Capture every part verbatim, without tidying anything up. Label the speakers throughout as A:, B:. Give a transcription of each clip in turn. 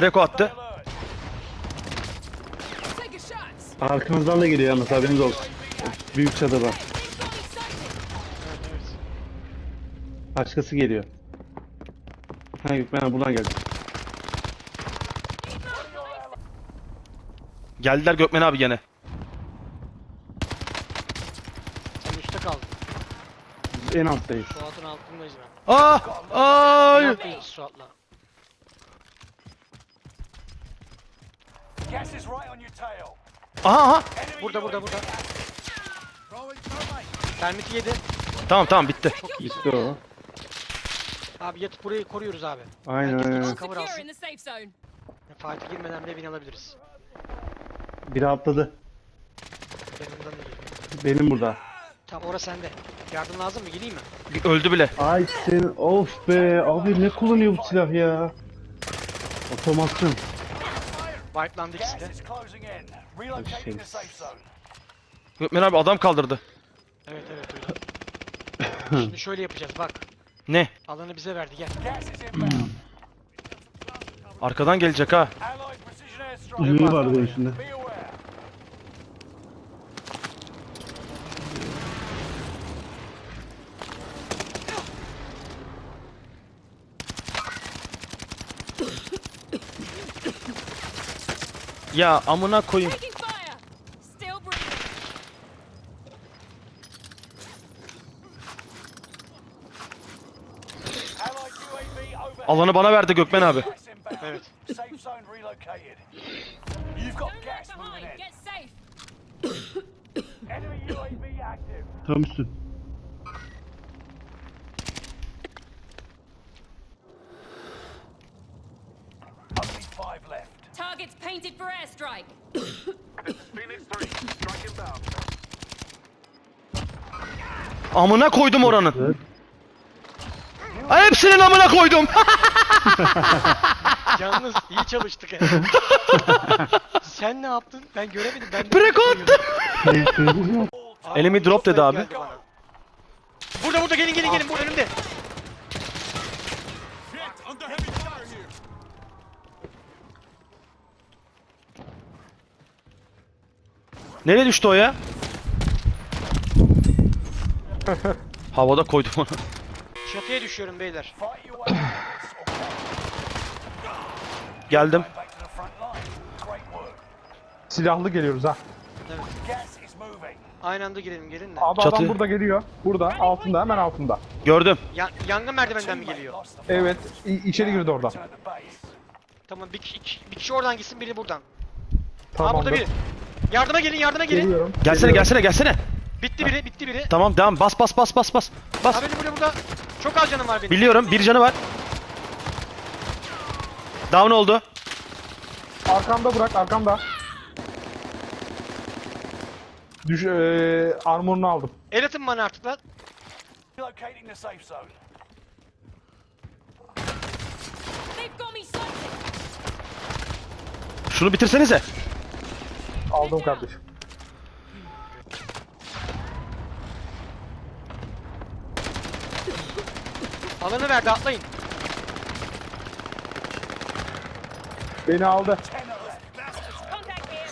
A: Reko attı.
B: Arkamızdan da geliyor yalnız, haberiniz olsun. Büyük çadır var. Başkası geliyor. Ha Gökmen abi buradan geldi.
A: Geldiler Gökmen abi gene.
C: Sen üstte kaldın.
B: En alttayız.
C: Suat'ın altındayız ben.
A: Ah! Ay!
C: Yapmayız Suat'la.
D: Gas is right on your tail.
A: Aha aha.
C: Burada burada burada. Termiti yedi.
A: Tamam tamam bitti.
B: İşte o.
C: Abi yatıp burayı koruyoruz abi.
B: Aynen
C: Herkes
B: aynen.
C: gitsin, cover
E: Secure
C: alsın.
E: in the safe zone.
C: Fatih girmeden de bin alabiliriz.
B: Biri atladı.
C: Yanımdan da geliyor.
B: Benim burada.
C: Tamam orası sende. Yardım lazım mı? Geleyim mi?
A: Öldü bile.
B: Ay sen of be abi, ne kullanıyor bu silah ya? Otomasyon.
C: Wipelandı ikisi
D: Gas
C: de.
D: is closing in. Relocating the safe zone.
A: Gökmen abi adam kaldırdı.
C: Evet evet öyle. Şimdi şöyle yapacağız bak.
A: Ne?
C: Alanı bize verdi gel.
D: Gas is inbound.
A: Arkadan gelecek ha.
D: Allied precision airstrike.
B: Uzun var bunun içinde.
D: Be aware.
A: Ya amına koyayım.
E: Taking fire. Still breathing.
D: Allied U A V overhead.
A: Alanı bana verdi Gökmen abi.
D: Gas inbound.
C: Evet.
D: Safe zone relocated. You've got
E: Don't
D: gas
E: lag
D: moving
E: behind.
D: in.
E: Get safe.
D: Enemy U A V active.
B: Tam üstün.
D: Only five left.
E: Targets painted for airstrike.
A: Amına koydum oranın. Ay, hepsinin amına koydum.
C: Yalnız iyi çalıştık ya. Sen ne yaptın? Ben göremedim. Ben de
A: Breko attı.
C: Abi,
A: Enemy drop dedi abi.
C: geldi bana. Burada burada gelin gelin gelin bu önümde.
A: Nereye düştü o ya? Havada koydum onu.
C: Çatıya düşüyorum beyler.
D: Fight your way out of this or
A: Geldim.
D: back to the front line. Great work.
F: Silahlı geliyoruz ha.
D: Gas is moving.
C: Aynı anda girelim gelin de.
F: Abi
A: Çatı.
F: adam burada geliyor. Burada altında, hemen altında.
A: Gördüm.
C: Ya, yangın merdivenden mi
D: Teammate
C: geliyor?
D: lost the fight.
F: Evet, i- içeri girdi oradan.
D: Return to base.
C: Tamam bir kişi, iki- bir kişi oradan gitsin biri buradan. Aa
F: Tamamdır.
C: burada biri. Yardıma gelin yardıma gelin.
F: Geliyorum.
A: Gelsene
F: geliyorum.
A: gelsene gelsene.
C: Bitti biri bitti biri.
A: Tamam devam. Bas bas bas bas bas. Bas.
C: Abi burada burada. Çok az canım var benim.
A: Biliyorum. Bir canı var. Down oldu.
F: Arkamda bırak, arkamda. Düş, eee armorunu aldım.
C: El atın bana artık lan.
D: Relocating the safe zone.
E: They've got me sighted.
A: Şunu bitirsenize.
F: Aldım kardeşim.
C: Alanı verdi atlayın.
F: Beni aldı.
E: Contact here.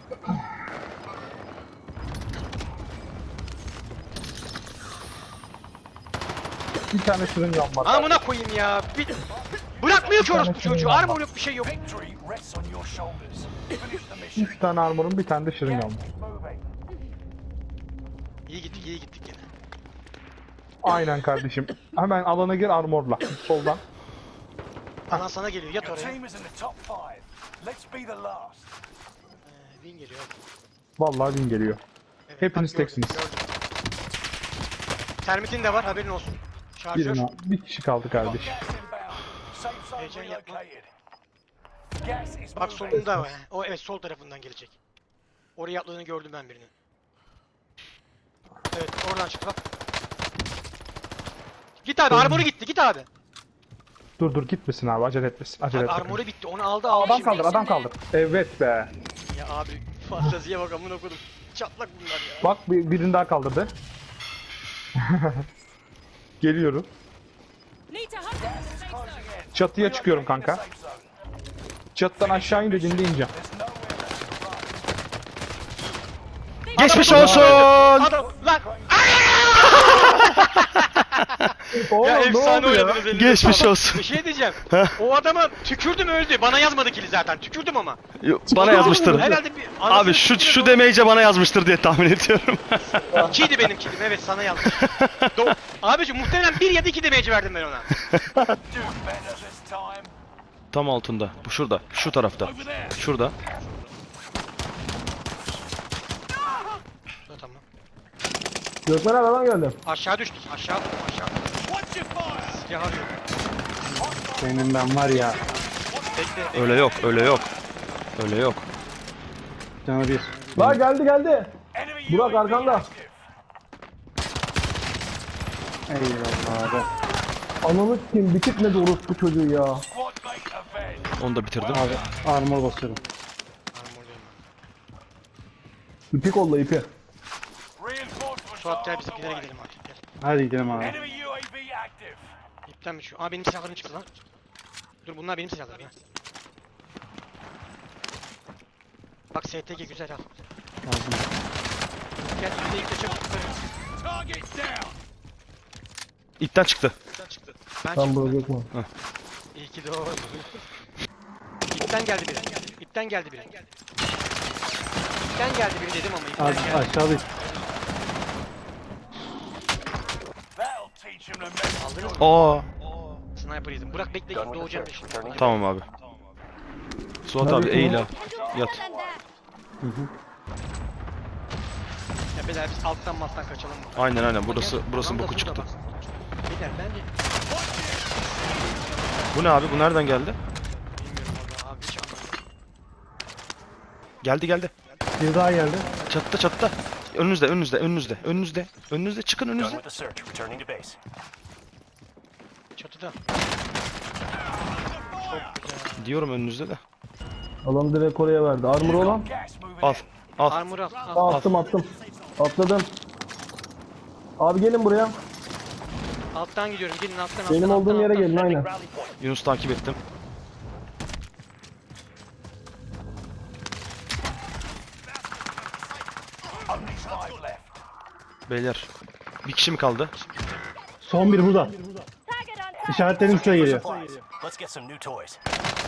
F: Bir tane şırıngam var.
C: Amına koyayım ya. Bir... Bırakmıyor ki orospu çocuğu. Armor yok bir şey yok.
D: Victory rests on your shoulders. Finish the mission.
F: Üç tane armorum, bir tane de şırıngam
D: Gas
F: var.
D: is moving.
C: İyi gittik iyi gittik yine.
F: Aynen kardeşim. Hemen alana gir armorla. Soldan.
C: Alan sana geliyor yat
D: Your
C: oraya.
D: team is in the top five. Let's be the last.
C: Ee, Win geliyor hadi.
F: Vallahi win geliyor.
C: Evet,
F: Hepiniz
C: bak gördüm,
F: teksiniz.
C: gördüm. Termitin de var haberin olsun. Şarjör.
F: Birine, bir kişi kaldı kardeş.
D: Gas inbound. Safe zone
C: Heyecan yapma.
D: relocated. Gas is
C: Bak
D: moving.
C: solunda var. O evet sol tarafından gelecek. Oraya atladığını gördüm ben birinin. Evet oradan çıktı bak. Git abi armoru gitti git abi.
F: Dur dur gitmesin abi, acele etmesin. Acele
C: Abi
F: etmesin.
C: armoru bitti onu aldı aldı.
F: Adam
C: şimdi.
F: kaldır, adam kaldır. Evet be.
C: Ya abi fanteziye bak amına koydum. Çatlak bunlar ya.
F: Bak bir, birini daha kaldırdı. Geliyorum.
E: Need to hunt in the safe zone.
D: Closing in.
F: Çatıya çıkıyorum kanka.
D: Safe zone.
F: Çatıdan aşağı in dediğinde ineceğim.
A: Geçmiş olsun.
C: Adam lan.
F: Oğlum,
C: Ya
F: ne
C: efsane
F: oldu ya?
C: oynadınız elinize
A: Geçmiş
C: sağlık.
A: olsun.
C: Bir şey diyeceğim. O adama tükürdüm öldü. Bana yazmadı kili zaten. Tükürdüm ama.
A: Yo, Bana yazmıştır.
C: Herhalde bir
A: Abi şu şu demeyince bana yazmıştır diye tahmin ediyorum.
C: İkiydi benim kilim. Evet sana yazmış. Do Abiciğim muhtemelen bir ya da iki demeci verdim ben ona.
D: Do better this time.
A: Tam altında. Bu şurada. Şu tarafta. Şurada.
C: Dur, tamam.
B: Gökmen abi adam geldi.
C: Aşağı düştük. Aşağı düştük. Aşağı düştük.
D: Watch your fire.
C: Silah arıyor.
F: Senin ben var ya.
C: Bekle.
A: Öyle yok. Öyle yok. Öyle yok.
F: Canı bir.
B: La geldi geldi.
D: Enemy
B: Burak,
D: U A V
B: arkanda.
D: active.
F: Eyvallah abi.
B: Ananı kim bitirmedi orospu çocuğu ya.
D: Squad mate avenged.
A: Onu da bitirdim.
F: Abi armor basıyorum.
C: Armor diyorum
B: İpi kolla ipi.
D: Reinforcements
C: ben. Suat gel
D: are on the
C: bizimkilere
D: way.
C: gidelim abi. Gel.
F: Hadi gidelim abi.
D: Enemy U A V active.
C: İpten mi şu? Aa benim silahlarım çıktı lan. Dur bunlar benim silahlarım ya. Bak S T G güzel al.
F: Lazım.
C: Gel bir de ilk çabuk.
D: Target down.
A: İpten çıktı.
C: Ben
B: Tam
C: çıktım.
B: Burak Gökmen.
C: İyi ki doğru. İpten geldi biri. İpten geldi biri. İpten geldi biri dedim ama ipten
F: Az
C: geldi.
F: aşağıda.
D: That'll teach him to mess.
C: Aldınız mı?
A: Aa.
C: Sniper yedim. Burak bekle doğacağım şimdi.
A: Tamam abi. Suat abi eğil abi. Yat.
C: Ya beyler biz alttan malttan kaçalım mı?
A: Aynen aynen. Burası burası
C: Tam da
A: boku
C: burada
A: çıktı.
C: bak. Beyler bence
A: Bu ne abi? Bu nereden geldi?
C: bilmiyorum valla abi hiç anlamadım.
A: Geldi geldi.
B: Bir daha geldi.
A: Çatıda çatıda. Önünüzde önünüzde önünüzde önünüzde. Önünüzde çıkın
D: Done
A: önünüzde.
D: with the search. Returning to base.
C: Çatıda.
A: Diyorum önünüzde de.
B: Adam direkt oraya verdi. Armor olan.
D: Gas moving
A: Al.
D: in.
A: Al.
C: Armor al. al.
B: Aa, attım attım. Atladım. Abi gelin buraya.
C: Alttan gidiyorum. Gelin alttan alttan.
B: Benim
C: alttan,
B: olduğum yere
C: alttan.
B: gelin aynen.
A: Yunus takip ettim.
D: Only five left.
A: Beyler. Bir kişi mi kaldı?
B: Son bir burada.
E: Target on target.
B: İşaretlerim size geliyor.
D: Supplies. Let's get some new toys.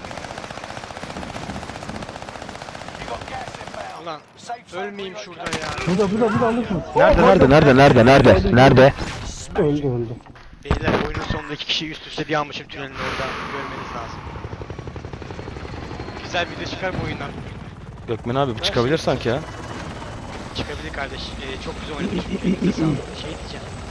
D: You got gas inbound.
C: Ulan
D: Safe zone
C: ölmeyeyim şurada
D: relocated.
C: ya.
B: Burada burada burada alırsınız.
A: Nerede nerede nerede nerede nerede nerede?
B: Öldü öldü.
C: Beyler oyunun sonunda iki kişi üst üste bir almışım tünelin orada. Görmeniz lazım. Güzel bir video çıkar bu oyundan.
A: Gökmen abi çıkabilir sanki ya.
C: Çıkabilir kardeş. Ee, çok güzel oynamış. Elinize sağlık. Şey diyeceğim.